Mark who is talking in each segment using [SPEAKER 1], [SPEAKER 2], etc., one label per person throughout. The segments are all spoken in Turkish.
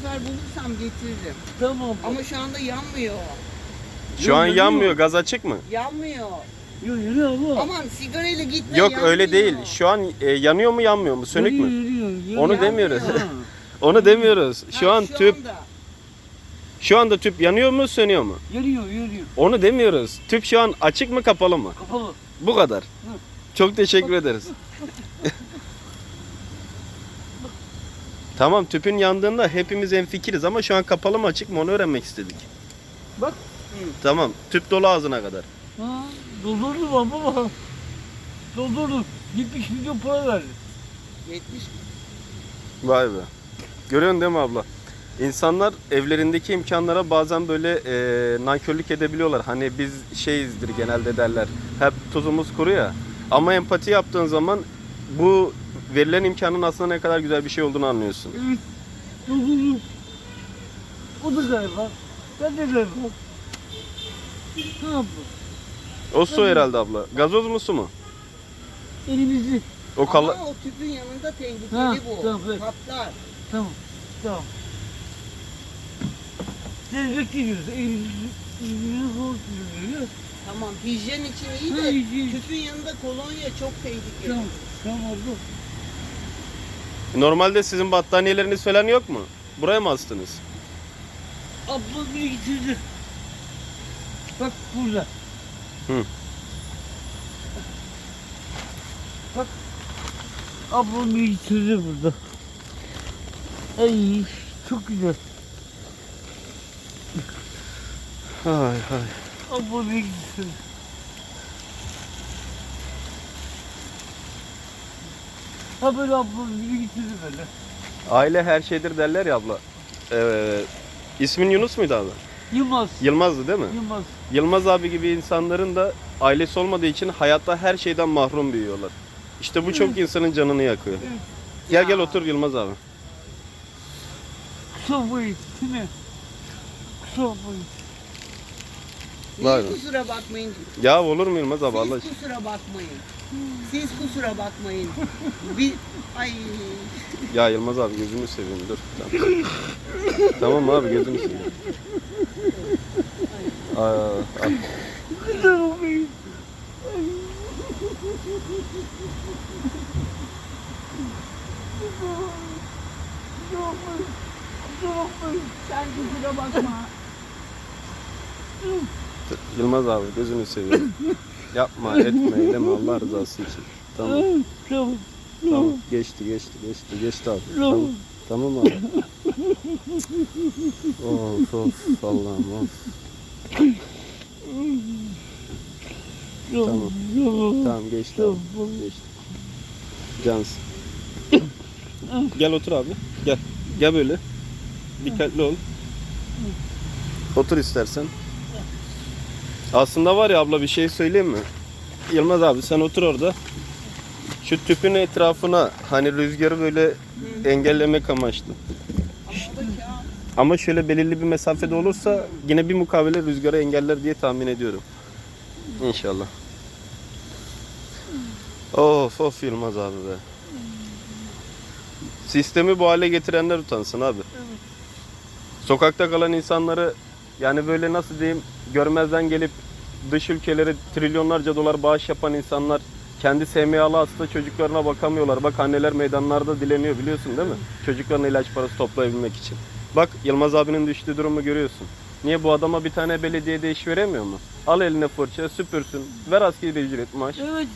[SPEAKER 1] sefer bulursam getiririm.
[SPEAKER 2] Tamam.
[SPEAKER 1] Ama şu anda yanmıyor.
[SPEAKER 3] Şu an yanmıyor. Gaz açık mı?
[SPEAKER 1] Yanmıyor.
[SPEAKER 2] Yürü abla.
[SPEAKER 1] Aman sigarayla gitme,
[SPEAKER 3] Yok
[SPEAKER 1] yanmıyor.
[SPEAKER 3] öyle değil. Şu an yanıyor mu yanmıyor mu? Sönük mü?
[SPEAKER 2] Yürüyor.
[SPEAKER 3] Onu
[SPEAKER 1] Yanmıyor.
[SPEAKER 3] demiyoruz. Onu demiyoruz. Şu an tüp
[SPEAKER 1] anda.
[SPEAKER 3] şu anda tüp yanıyor mu sönüyor mu?
[SPEAKER 2] Yürüyor.
[SPEAKER 3] Onu demiyoruz. Tüp şu an açık mı kapalı mı?
[SPEAKER 2] Kapalı.
[SPEAKER 3] Bu kadar. Çok teşekkür ederiz. Tamam, tüpün yandığında hepimiz hemfikiriz ama şu an kapalı mı açık mı onu öğrenmek istedik.
[SPEAKER 2] Bak.
[SPEAKER 3] Tamam, tüp dolu ağzına kadar.
[SPEAKER 2] Ha, doldurdum baba. Doldurdum. 70 milyon para verdi.
[SPEAKER 1] 70 mi?
[SPEAKER 3] Vay be. Görüyorsun değil mi abla? İnsanlar evlerindeki imkanlara bazen böyle nankörlük edebiliyorlar. Hani biz şeyizdir genelde derler. Hep tuzumuz kuru ya. Ama empati yaptığın zaman bu verilen imkanın aslında ne kadar güzel bir şey olduğunu anlıyorsun.
[SPEAKER 2] Evet. Doldurdum. O da galiba. Ben de galiba. Ne yapalım?
[SPEAKER 3] O su herhalde abla. Gazoz mu su mu?
[SPEAKER 2] Elimizi.
[SPEAKER 3] O kala...
[SPEAKER 1] Ama o tüpün yanında tehlikeli
[SPEAKER 2] Ha,
[SPEAKER 1] bu.
[SPEAKER 2] tamam, evet.
[SPEAKER 1] Patlar.
[SPEAKER 2] Tamam. Siz bekliyoruz. Elimizi hortuyoruz.
[SPEAKER 1] Tamam, hijyen için iyi
[SPEAKER 2] Ha,
[SPEAKER 1] de
[SPEAKER 2] hijyen.
[SPEAKER 1] tüpün yanında kolonya çok tehlikeli.
[SPEAKER 2] Tamam abla.
[SPEAKER 3] Normalde sizin battaniyeleriniz falan yok mu? Buraya mı astınız?
[SPEAKER 2] Abla biri getirdi. Bak burada.
[SPEAKER 3] Hı.
[SPEAKER 2] Bak. Abla biri getirdi burada. Ay çok güzel.
[SPEAKER 3] Hay hay.
[SPEAKER 2] Abla biri getirdi. Ha böyle abla biri getirdi böyle.
[SPEAKER 3] Aile her şeydir derler ya abla. İsmin Yunus muydu abi?
[SPEAKER 2] Yılmaz.
[SPEAKER 3] Yılmaz'dı değil mi?
[SPEAKER 2] Yılmaz.
[SPEAKER 3] Yılmaz abi gibi insanların da ailesi olmadığı için hayatta her şeyden mahrum büyüyorlar. İşte bu çok insanın canını yakıyor.
[SPEAKER 2] Evet.
[SPEAKER 3] Gel otur Yılmaz abi.
[SPEAKER 2] Kusura bakmayın. Değil mi? Kusura bakmayın.
[SPEAKER 3] Vay
[SPEAKER 1] Siz
[SPEAKER 3] be.
[SPEAKER 1] kusura bakmayın.
[SPEAKER 3] Ya olur mu Yılmaz abi Allah
[SPEAKER 1] Siz
[SPEAKER 3] aşkına?
[SPEAKER 1] kusura bakmayın. Siz kusura bakmayın. Bir... Ay...
[SPEAKER 3] Ya Yılmaz abi gözünü seveyim dur. Tamam, tamam abi gözünü seveyim. Aa,
[SPEAKER 2] Kusura bakmayın.
[SPEAKER 1] Sen kusura bakma.
[SPEAKER 3] Yılmaz abi gözünü seveyim. Yapma etme eyleme Allah rızası için. Tamam.
[SPEAKER 2] Tamam.
[SPEAKER 3] Tamam geçti abi. Tamam, tamam abi. Of Allah'ım of. Tamam. Tamam geçti abi. Geçti. Cansın. Gel otur abi. Gel. Gel böyle. Dikkatli ol. Otur istersen. Aslında var ya abla bir şey söyleyeyim mi? Yılmaz abi sen otur orada. Şu tüpün etrafına hani rüzgarı böyle engellemek amaçlı. Ama şöyle belirli bir mesafede olursa yine bir mukavele rüzgarı engeller diye tahmin ediyorum. İnşallah. Of Yılmaz abi be. Sistemi bu hale getirenler utansın abi. Sokakta kalan insanları yani böyle nasıl diyeyim görmezden gelip dış ülkelere trilyonlarca dolar bağış yapan insanlar kendi SMA'lı hasta çocuklarına bakamıyorlar. Bak anneler meydanlarda dileniyor biliyorsun değil mi? Çocuklarına ilaç parası toplayabilmek için. Bak Yılmaz abinin düştüğü durumu görüyorsun. Niye bu adama bir tane belediyede iş veremiyor mu? Al eline fırça süpürsün. Ver asgari ücret maaş.
[SPEAKER 2] Evet.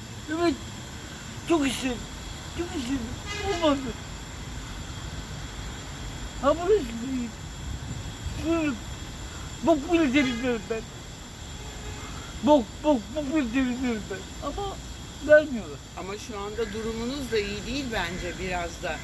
[SPEAKER 2] Çok istedim. Olmadı. Ha burası değil. Şöyle. Bok bile temizliyorum ben. Bok bile temizliyorum ben. Ama vermiyorlar.
[SPEAKER 1] Ama şu anda durumunuz da iyi değil bence biraz da.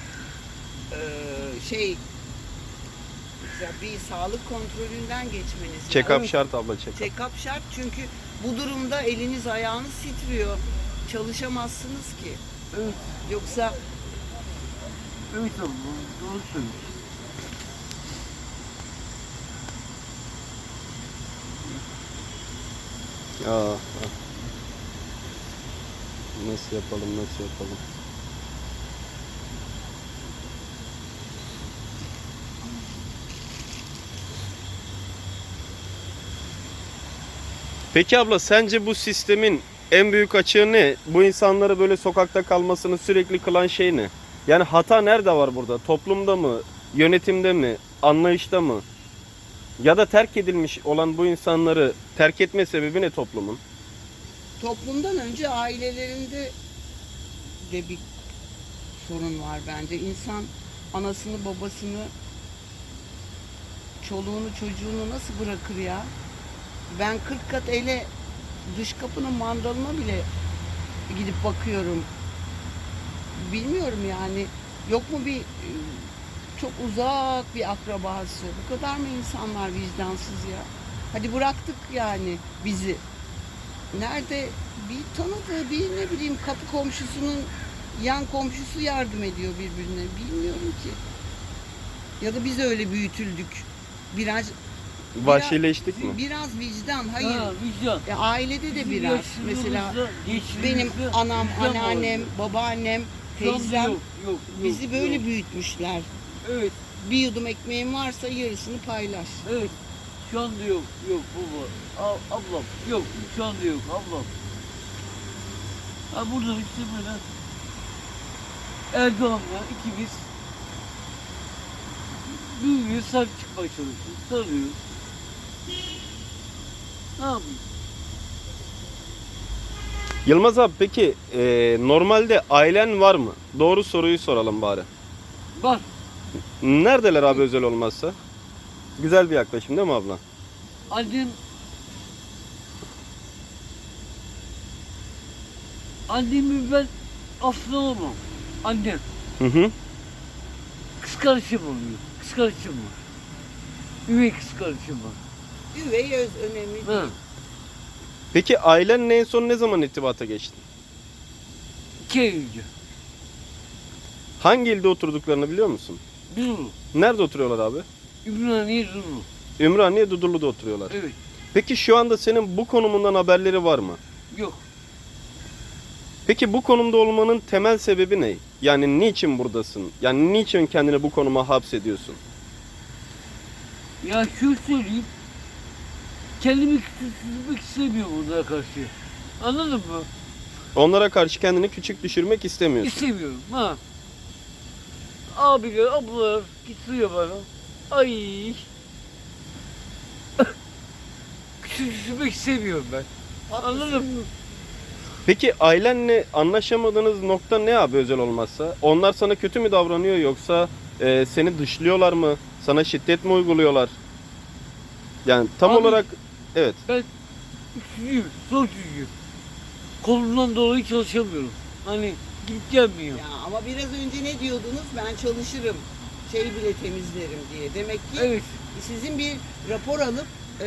[SPEAKER 1] Mesela bir sağlık kontrolünden geçmeniz
[SPEAKER 3] Check-up
[SPEAKER 1] lazım.
[SPEAKER 3] şart abla check-up.
[SPEAKER 1] Check-up şart çünkü bu durumda eliniz ayağınız titriyor. Çalışamazsınız ki.
[SPEAKER 2] Evet.
[SPEAKER 1] Yoksa
[SPEAKER 2] Evet abla. Doğru söylüyorsun.
[SPEAKER 3] Nasıl yapalım? Peki abla sence bu sistemin en büyük açığı ne? Bu insanları böyle sokakta kalmasını sürekli kılan şey ne? Yani hata nerede var burada? Toplumda mı? Yönetimde mi? Anlayışta mı? Ya da terk edilmiş olan bu insanları terk etme sebebi ne toplumun?
[SPEAKER 1] Toplumdan önce ailelerinde de bir sorun var bence. İnsan anasını babasını, çoluğunu çocuğunu nasıl bırakır ya? Ben 40 kat ele dış kapının mandalına bile gidip bakıyorum. Bilmiyorum yani. Yok mu bir çok uzak bir akrabası? Bu kadar mı insanlar vicdansız ya? Hadi bıraktık yani bizi. Nerede bir tanıdığı bir ne bileyim kapı komşusunun yan komşusu yardım ediyor birbirine. Bilmiyorum ki. Ya da biz öyle büyütüldük. Biraz
[SPEAKER 3] Vahşileştik mi?
[SPEAKER 1] Biraz vicdan. Hayır.
[SPEAKER 2] Ha, vicdan.
[SPEAKER 1] Ailede de
[SPEAKER 2] Bizim
[SPEAKER 1] biraz. Mesela
[SPEAKER 2] yaşlılığımızda,
[SPEAKER 1] benim
[SPEAKER 2] gençliğimizde
[SPEAKER 1] anam,
[SPEAKER 2] vicdan
[SPEAKER 1] anneannem,
[SPEAKER 2] vardı.
[SPEAKER 1] babaannem,
[SPEAKER 2] Şu anda
[SPEAKER 1] teyzem
[SPEAKER 2] yok,
[SPEAKER 1] bizi böyle
[SPEAKER 2] yok.
[SPEAKER 1] büyütmüşler.
[SPEAKER 2] Evet,
[SPEAKER 1] Bir yudum ekmeğin varsa yarısını paylaş.
[SPEAKER 2] evet. Şu anda yok baba. Ablam, yok. Şu anda yok, ablam. Ha burada işte böyle Erdoğan'la ikimiz büyüğüne sahip çıkmaya çalışıyoruz. Sarıyoruz. Ne yapayım?
[SPEAKER 3] Yılmaz abi peki normalde ailen var mı? Doğru soruyu soralım bari.
[SPEAKER 2] Bak,
[SPEAKER 3] Neredeler abi özel olmazsa? Güzel bir yaklaşım değil mi abla?
[SPEAKER 2] annemi ben aslında olmam. Annem.
[SPEAKER 3] Hı hı.
[SPEAKER 2] Kız kardeşim oluyor. Kız kardeşim var. Üvey kız kardeşim var.
[SPEAKER 1] Üvey öz önemli
[SPEAKER 2] Ha.
[SPEAKER 1] değil.
[SPEAKER 3] Peki ailenle en son ne zaman irtibata geçtin?
[SPEAKER 2] 2 ay önce.
[SPEAKER 3] Hangi ilde oturduklarını biliyor musun?
[SPEAKER 2] Duru.
[SPEAKER 3] Nerede oturuyorlar abi?
[SPEAKER 2] Ümraniye Duru.
[SPEAKER 3] Ümraniye Dudullu'da oturuyorlar.
[SPEAKER 2] Evet.
[SPEAKER 3] Peki şu anda senin bu konumundan haberleri var mı?
[SPEAKER 2] Yok.
[SPEAKER 3] Peki bu konumda olmanın temel sebebi ne? Yani niçin buradasın? Yani niçin kendini bu konuma hapsediyorsun?
[SPEAKER 2] Ya şunu söyleyeyim. Kendimi küçültmek istemiyorum onlara karşı. Anladın mı?
[SPEAKER 3] Onlara karşı kendini küçük düşürmek istemiyorsun.
[SPEAKER 2] İstemiyorum. Ha. Abiler, ablalar getiriyor bana. Ay. Küçültmek istemiyorum ben. Anladın mı?
[SPEAKER 3] Peki ailenle anlaşamadığınız nokta ne abi özel olmazsa? Onlar sana kötü mü davranıyor yoksa seni dışlıyorlar mı? Sana şiddet mi uyguluyorlar? Yani tam
[SPEAKER 2] Abi-
[SPEAKER 3] olarak evet.
[SPEAKER 2] Ben üçüncüyüm, zor çocuğum. Kolumdan dolayı çalışamıyorum. Hani gidip gelmiyor.
[SPEAKER 1] Ya ama biraz önce ne diyordunuz? Ben çalışırım. Şey bile temizlerim diye. Demek ki
[SPEAKER 2] Evet.
[SPEAKER 1] sizin bir rapor alıp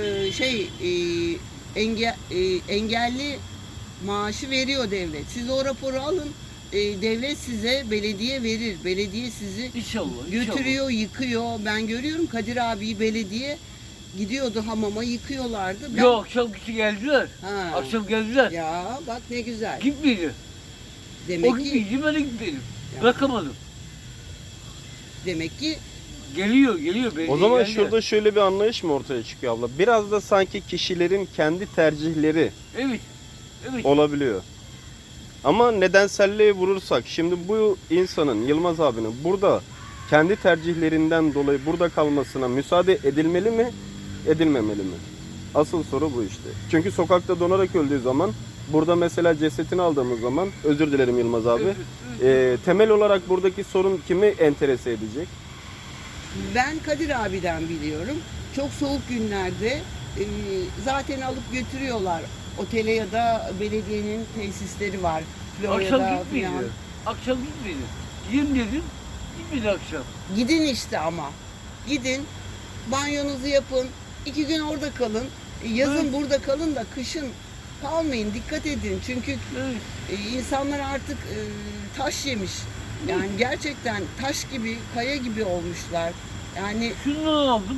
[SPEAKER 1] engelli maaşı veriyor devlet. Siz o raporu alın. Devlet size belediye verir. Belediye sizi
[SPEAKER 2] İnşallah.
[SPEAKER 1] götürüyor, yıkıyor. Ben görüyorum Kadir abiyi belediye gidiyordu hamama yıkıyorlardı. Ben...
[SPEAKER 2] Yok, akşam kişi geldiler.
[SPEAKER 1] Ha.
[SPEAKER 2] Akşam geldiler.
[SPEAKER 1] Ya bak ne güzel.
[SPEAKER 2] Gitmedi.
[SPEAKER 1] Demek
[SPEAKER 2] O
[SPEAKER 1] ki
[SPEAKER 2] gitmedi, ben de gitmedim.
[SPEAKER 1] Ya.
[SPEAKER 2] Bırakamadım.
[SPEAKER 1] demek ki
[SPEAKER 2] Geliyor.
[SPEAKER 3] O zaman
[SPEAKER 2] geldi.
[SPEAKER 3] şurada şöyle bir anlayış mı ortaya çıkıyor abla? Biraz da sanki kişilerin kendi tercihleri
[SPEAKER 2] Evet.
[SPEAKER 3] olabiliyor. Ama nedenselliğe vurursak şimdi bu insanın Yılmaz abinin burada kendi tercihlerinden dolayı burada kalmasına müsaade edilmeli mi, edilmemeli mi? Asıl soru bu işte. Çünkü sokakta donarak öldüğü zaman burada mesela cesetini aldığımız zaman özür dilerim Yılmaz abi.
[SPEAKER 2] Evet.
[SPEAKER 3] Temel olarak buradaki sorun kimi enterese edecek?
[SPEAKER 1] ben Kadir abiden biliyorum. Çok soğuk günlerde zaten alıp götürüyorlar. Otele ya da belediyenin tesisleri var.
[SPEAKER 2] Akşam
[SPEAKER 1] Florya'da
[SPEAKER 2] gitmedi.
[SPEAKER 1] falan.
[SPEAKER 2] Akşam gitmedi. Gidin dedim. Gitmedi akşam.
[SPEAKER 1] Gidin işte ama. Gidin, banyonuzu yapın. 2 gün orada kalın. Yazın
[SPEAKER 2] Evet.
[SPEAKER 1] burada kalın da kışın kalmayın. Dikkat edin. Çünkü
[SPEAKER 2] Evet.
[SPEAKER 1] insanlar artık taş yemiş. Yani gerçekten taş gibi, kaya gibi olmuşlar. Yani
[SPEAKER 2] Şundan aldım.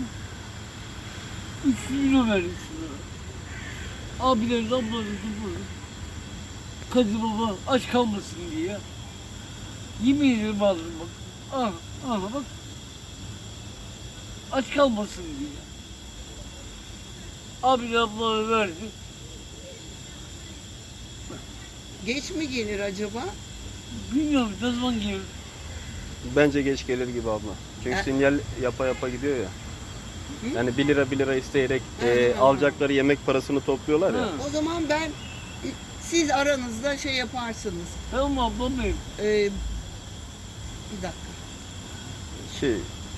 [SPEAKER 2] 3 kilo verdim şunlara. Abilerin, ablaların, bunların. Kadir baba aç kalmasın diye. Yemin ederim aldım bak. Al bak. Aç kalmasın diye. Abiler, ablalara verdi.
[SPEAKER 1] Geç mi gelir acaba?
[SPEAKER 2] Bilmiyorum ne zaman gelir.
[SPEAKER 3] Bence geç gelir gibi abla. Çünkü
[SPEAKER 1] Ha.
[SPEAKER 3] sinyal yapa yapa gidiyor ya.
[SPEAKER 1] Hı?
[SPEAKER 3] Yani 1 lira isteyerek
[SPEAKER 1] Hı.
[SPEAKER 3] alacakları yemek parasını topluyorlar ya.
[SPEAKER 2] Hı.
[SPEAKER 1] O zaman siz aranızda şey yaparsınız.
[SPEAKER 2] Tamam ablam benim.
[SPEAKER 1] Bir dakika.
[SPEAKER 3] Şey,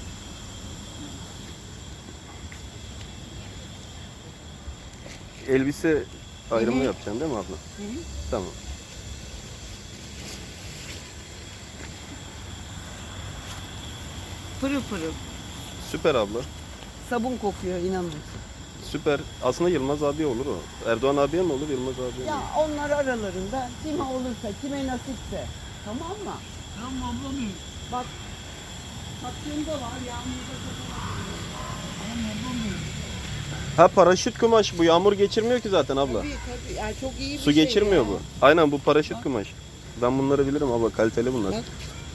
[SPEAKER 3] elbise ayrımı
[SPEAKER 1] Hı hı.
[SPEAKER 3] yapacaksın değil mi abla?
[SPEAKER 1] Hı hı.
[SPEAKER 3] Tamam.
[SPEAKER 1] Pırıl pırıl.
[SPEAKER 3] Süper abla.
[SPEAKER 1] Sabun kokuyor inanın.
[SPEAKER 3] Süper. Aslında Yılmaz abi olur o. Erdoğan abiye mi olur, Yılmaz abiye mi
[SPEAKER 1] Ya
[SPEAKER 3] olur?
[SPEAKER 1] onlar aralarında kime olursa, kime nasipse. Tamam mı?
[SPEAKER 2] Tamam ablam benim.
[SPEAKER 1] Bak, tatlımda var, yağmurda
[SPEAKER 2] Tamam ablam benim.
[SPEAKER 3] Ha, paraşüt kumaş bu. Yağmur geçirmiyor ki zaten abla.
[SPEAKER 1] Tabii tabii. Yani çok iyi bir
[SPEAKER 3] Su
[SPEAKER 1] şey
[SPEAKER 3] geçirmiyor
[SPEAKER 1] ya.
[SPEAKER 3] bu. Aynen, bu paraşüt kumaş. Ben bunları bilirim abla. Kaliteli bunlar.
[SPEAKER 1] Bak.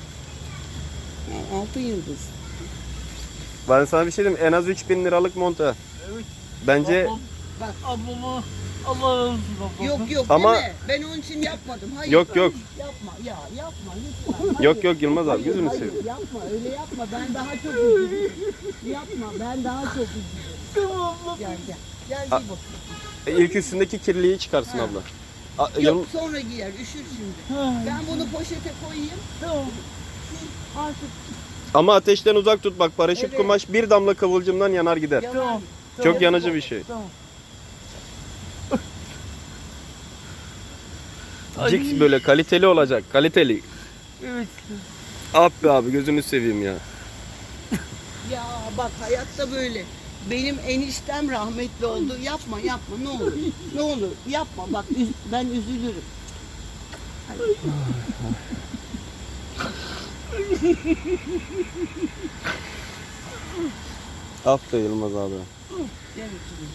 [SPEAKER 1] Altın yıldız.
[SPEAKER 3] Ben sana bir şey diyeyim. En az 3.000 liralık monta.
[SPEAKER 2] Evet.
[SPEAKER 3] Bence
[SPEAKER 2] Ablam,
[SPEAKER 1] Bak.
[SPEAKER 2] ablama Allah razı olsun ablam.
[SPEAKER 1] Yok yok
[SPEAKER 3] Ama-
[SPEAKER 1] deme. Ben onun için yapmadım. Hayır.
[SPEAKER 3] Yok, yok.
[SPEAKER 1] Yapma ya yapma lütfen. Hayır.
[SPEAKER 3] Yok, yok Yılmaz abi,
[SPEAKER 1] Hayır,
[SPEAKER 3] gözünü
[SPEAKER 1] hayır,
[SPEAKER 3] seveyim.
[SPEAKER 1] yapma öyle yapma. Ben daha çok üzülürüm. Yapma ben daha çok üzülürüm.
[SPEAKER 2] Tamam ablam.
[SPEAKER 1] Gel gel. Gel
[SPEAKER 3] A-
[SPEAKER 1] giy bakayım.
[SPEAKER 3] ilk üstündeki kirliyi çıkarsın
[SPEAKER 1] Ha.
[SPEAKER 3] abla.
[SPEAKER 1] Yok sonra giyer üşür şimdi.
[SPEAKER 2] Ha,
[SPEAKER 1] Ben bunu poşete koyayım.
[SPEAKER 2] Tamam.
[SPEAKER 1] Siz artık
[SPEAKER 3] Ama ateşten uzak tut bak, paraşüt
[SPEAKER 1] Evet.
[SPEAKER 3] kumaş bir damla kıvılcımdan yanar gider.
[SPEAKER 1] yanar.
[SPEAKER 2] Tamam.
[SPEAKER 3] Çok yanıcı bir şey.
[SPEAKER 2] Tamam.
[SPEAKER 3] Cix böyle kaliteli olacak, kaliteli.
[SPEAKER 2] Evet.
[SPEAKER 3] Abi abi gözünü seveyim ya.
[SPEAKER 1] Ya bak hayatta böyle. Benim eniştem rahmetli oldu. Yapma yapma ne olur. Ne olur yapma bak ben üzülürüm. Hadi.
[SPEAKER 3] Af be Yılmaz abi.
[SPEAKER 1] Gel oturayım.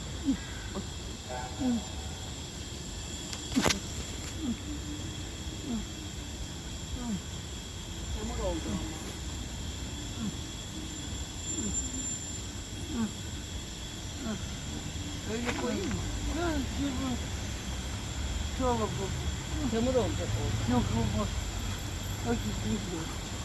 [SPEAKER 1] Çamur oldu ama. Öyle koyayım mı?
[SPEAKER 2] Tamam ablam.
[SPEAKER 1] Çamur olacak o.
[SPEAKER 2] Yok olmaz. Hadi gidiyorum.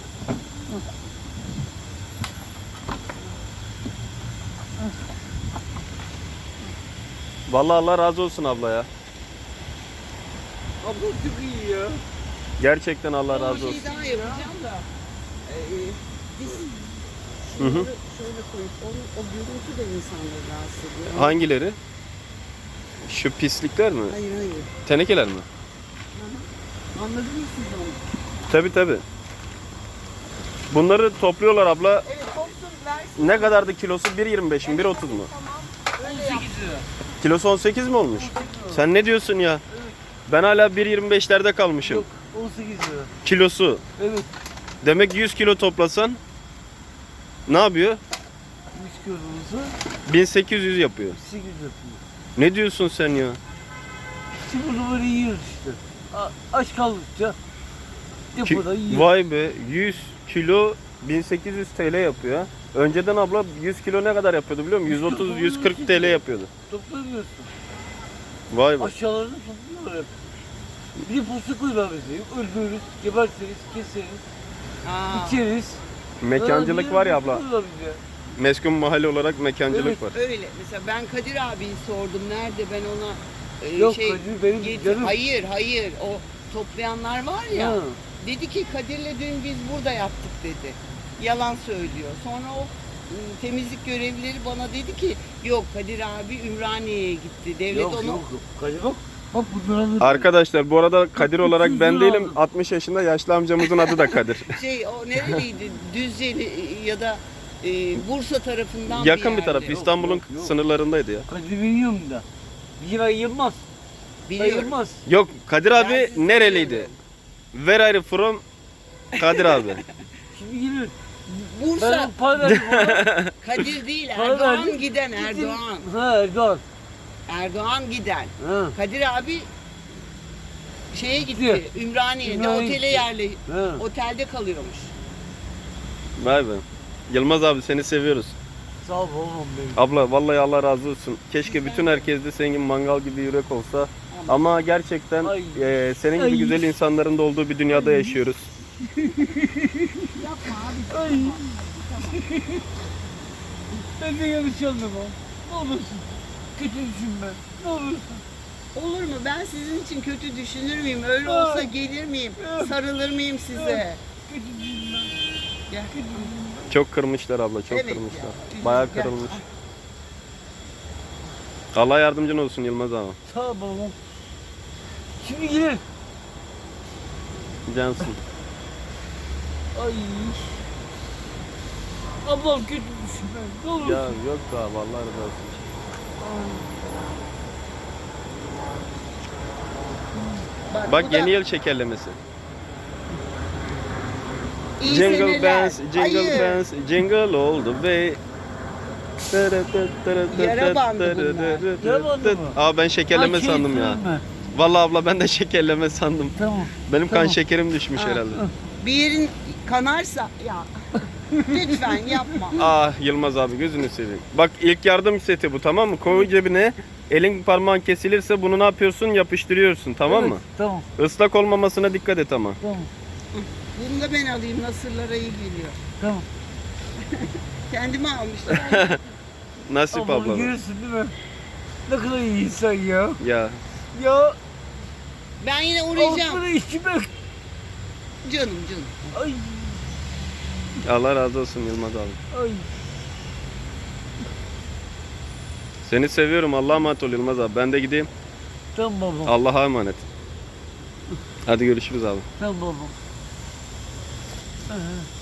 [SPEAKER 3] Vallahi Allah razı olsun abla ya.
[SPEAKER 2] Abla çok iyi ya.
[SPEAKER 3] Gerçekten Allah razı
[SPEAKER 1] Bir şey
[SPEAKER 3] olsun.
[SPEAKER 1] daha yapacağım da. Biz
[SPEAKER 3] Hı hı.
[SPEAKER 1] şunları şöyle koyup o görüntü de insanları rahatsız ediyor.
[SPEAKER 3] Hangileri? Şu pislikler mi?
[SPEAKER 1] Hayır hayır.
[SPEAKER 3] Tenekeler mi?
[SPEAKER 1] Anladınız mı siz onu?
[SPEAKER 3] Tabi tabi. Bunları topluyorlar abla.
[SPEAKER 1] Evet kopsun versin.
[SPEAKER 3] Ne kadardı kilosu? 1.25 mi? 1.30 mu?
[SPEAKER 1] Tamam. Öyle yap.
[SPEAKER 2] 18 lira.
[SPEAKER 3] Kilosu 18 mi olmuş? Sen ne diyorsun ya? Ben hala 1.25'lerde kalmışım.
[SPEAKER 2] Yok 18 lira.
[SPEAKER 3] Kilosu.
[SPEAKER 2] Evet.
[SPEAKER 3] Demek 100 kilo toplasan ne yapıyor?
[SPEAKER 2] 100 kilosu
[SPEAKER 3] 1800 yapıyor.
[SPEAKER 2] 8 yapıyor.
[SPEAKER 3] Ne diyorsun sen ya?
[SPEAKER 2] İşte bunu böyle yiyoruz işte. Aç kaldıkça depoda yiyoruz.
[SPEAKER 3] Vay be, 100 kilo 1800 TL yapıyor. Önceden abla 100 kilo ne kadar yapıyordu biliyor musun? 130-140 TL yapıyordu.
[SPEAKER 2] Toplamıyorsun.
[SPEAKER 3] Vay be.
[SPEAKER 2] Aşağılarını topluyorlar hep. Bir de posta koyuyorlar bize. Öldürürüz, gebertiriz, keseriz,
[SPEAKER 1] Aa,
[SPEAKER 2] içeriz.
[SPEAKER 3] Mekancılık var ya abla.
[SPEAKER 2] Koyuyorlar bize.
[SPEAKER 3] Meskun mahalle olarak mekancılık
[SPEAKER 2] Evet.
[SPEAKER 3] var.
[SPEAKER 1] öyle. Mesela ben Kadir abiyi sordum. Nerede ben ona
[SPEAKER 2] Yok, Kadir benim canım.
[SPEAKER 1] Hayır hayır. O toplayanlar var ya.
[SPEAKER 2] Ha.
[SPEAKER 1] Dedi ki Kadir'le dün biz burada yaptık dedi. Yalan söylüyor. Sonra o temizlik görevlileri bana dedi ki yok Kadir abi Ümraniye'ye gitti. Devlet
[SPEAKER 2] Yok
[SPEAKER 1] onu
[SPEAKER 2] yok. Kadir bak. Bak bunları alır.
[SPEAKER 3] Arkadaşlar bu arada Kadir olarak ben
[SPEAKER 2] 300 lira
[SPEAKER 3] değilim.
[SPEAKER 2] aldım.
[SPEAKER 3] 60 yaşında yaşlı amcamızın adı da Kadir.
[SPEAKER 1] o nereliydi? Düzceli ya da Bursa tarafından
[SPEAKER 3] Yakın bir
[SPEAKER 1] yerde.
[SPEAKER 3] taraf. İstanbul'un
[SPEAKER 2] yok, yok.
[SPEAKER 3] sınırlarındaydı ya.
[SPEAKER 2] Kadir biliyorum da. Bir ay yılmaz.
[SPEAKER 1] Biliyorum.
[SPEAKER 2] Ayırmaz.
[SPEAKER 3] Yok, Kadir abi
[SPEAKER 1] Ben sizi
[SPEAKER 3] nereliydi?
[SPEAKER 1] seviyorum.
[SPEAKER 3] Where are you from? Kadir abi.
[SPEAKER 2] Şimdi gelir.
[SPEAKER 1] Bursa
[SPEAKER 2] Ben para verdim ona.
[SPEAKER 1] Kadir değil
[SPEAKER 2] Para
[SPEAKER 1] Erdoğan
[SPEAKER 2] verdim.
[SPEAKER 1] giden
[SPEAKER 2] Gittim.
[SPEAKER 1] Erdoğan.
[SPEAKER 2] Ha Erdoğan.
[SPEAKER 1] Erdoğan giden.
[SPEAKER 2] Ha.
[SPEAKER 1] Kadir abi şeye gitti.
[SPEAKER 2] Gidiyor.
[SPEAKER 1] Ümraniye'de
[SPEAKER 2] Ümraniye
[SPEAKER 1] otele
[SPEAKER 2] gitti. Ha.
[SPEAKER 1] otelde kalıyormuş.
[SPEAKER 3] Vay be. Yılmaz abi seni seviyoruz.
[SPEAKER 2] Sağ ol oğlum benim.
[SPEAKER 3] Abla vallahi Allah razı olsun. Keşke bütün herkes de senin gibi mangal gibi yürek olsa. Ama gerçekten
[SPEAKER 2] Ay.
[SPEAKER 3] Senin gibi
[SPEAKER 2] Ay.
[SPEAKER 3] güzel insanların da olduğu bir dünyada yaşıyoruz.
[SPEAKER 1] Yapma abi.
[SPEAKER 2] Ay. Ben de yanlış anlama. Ne olursun. Kötü düşünme. Ne olursun.
[SPEAKER 1] Olur mu? Ben sizin için kötü düşünür müyüm? Öyle olsa gelir miyim? Sarılır mıyım size?
[SPEAKER 2] Kötü düşünme.
[SPEAKER 1] Gel.
[SPEAKER 2] Kötü düşünme.
[SPEAKER 3] Çok kırmışlar abla, çok
[SPEAKER 1] Evet
[SPEAKER 3] kırmışlar.
[SPEAKER 1] ya.
[SPEAKER 3] Bayağı
[SPEAKER 1] Gel.
[SPEAKER 3] kırılmış. Allah yardımcın olsun Yılmaz abi.
[SPEAKER 2] Sağ ol oğlum. Şimdi gelir.
[SPEAKER 3] Cansın.
[SPEAKER 2] Ay. Ablam kötü düşünme. Ne olursun.
[SPEAKER 3] Ya yok da abi Allah razı olsun.
[SPEAKER 1] Bak,
[SPEAKER 3] Bak
[SPEAKER 1] bu da
[SPEAKER 3] yeni yıl şekerlemesi.
[SPEAKER 1] iyi
[SPEAKER 3] Jingle
[SPEAKER 1] seneler.
[SPEAKER 3] bells, jingle
[SPEAKER 1] Hayır.
[SPEAKER 3] bells, jingle all the way.
[SPEAKER 1] Yara bandı bunlar.
[SPEAKER 2] Yara bandı mı?
[SPEAKER 3] Aa ben şekerleme
[SPEAKER 2] Ay, şey
[SPEAKER 3] sandım ya.
[SPEAKER 2] söyleme.
[SPEAKER 3] Vallahi abla ben de şekerleme sandım.
[SPEAKER 2] Tamam.
[SPEAKER 3] Benim kan
[SPEAKER 2] Tamam.
[SPEAKER 3] şekerim düşmüş
[SPEAKER 1] Ha.
[SPEAKER 3] herhalde.
[SPEAKER 1] Bir yerin kanarsa ya lütfen yapma.
[SPEAKER 3] Ah Yılmaz abi gözünü seveyim. Bak ilk yardım seti bu, tamam mı? Koy cebine. Elin parmağın kesilirse bunu ne yapıyorsun? Yapıştırıyorsun, tamam
[SPEAKER 2] Evet,
[SPEAKER 3] mı?
[SPEAKER 2] Tamam.
[SPEAKER 3] Islak olmamasına dikkat et ama.
[SPEAKER 2] Tamam.
[SPEAKER 1] Bunu da ben alayım. Nasırlara iyi geliyor.
[SPEAKER 2] Tamam.
[SPEAKER 1] Kendime almışlar.
[SPEAKER 3] Nasip
[SPEAKER 2] Ablam
[SPEAKER 3] abla.
[SPEAKER 2] görürsün değil mi? Ne kadar iyi insan ya.
[SPEAKER 3] Ya
[SPEAKER 2] Ya.
[SPEAKER 1] Ben yine uğrayacağım.
[SPEAKER 2] Altına içime.
[SPEAKER 1] Canım canım.
[SPEAKER 2] Ay.
[SPEAKER 3] Allah razı olsun Yılmaz abi.
[SPEAKER 2] Ay.
[SPEAKER 3] Seni seviyorum. Allah'a emanet ol Yılmaz abi. Ben de gideyim.
[SPEAKER 2] Tamam babam.
[SPEAKER 3] Allah'a emanet. Hadi görüşürüz abi.
[SPEAKER 2] Tamam babam. Aha.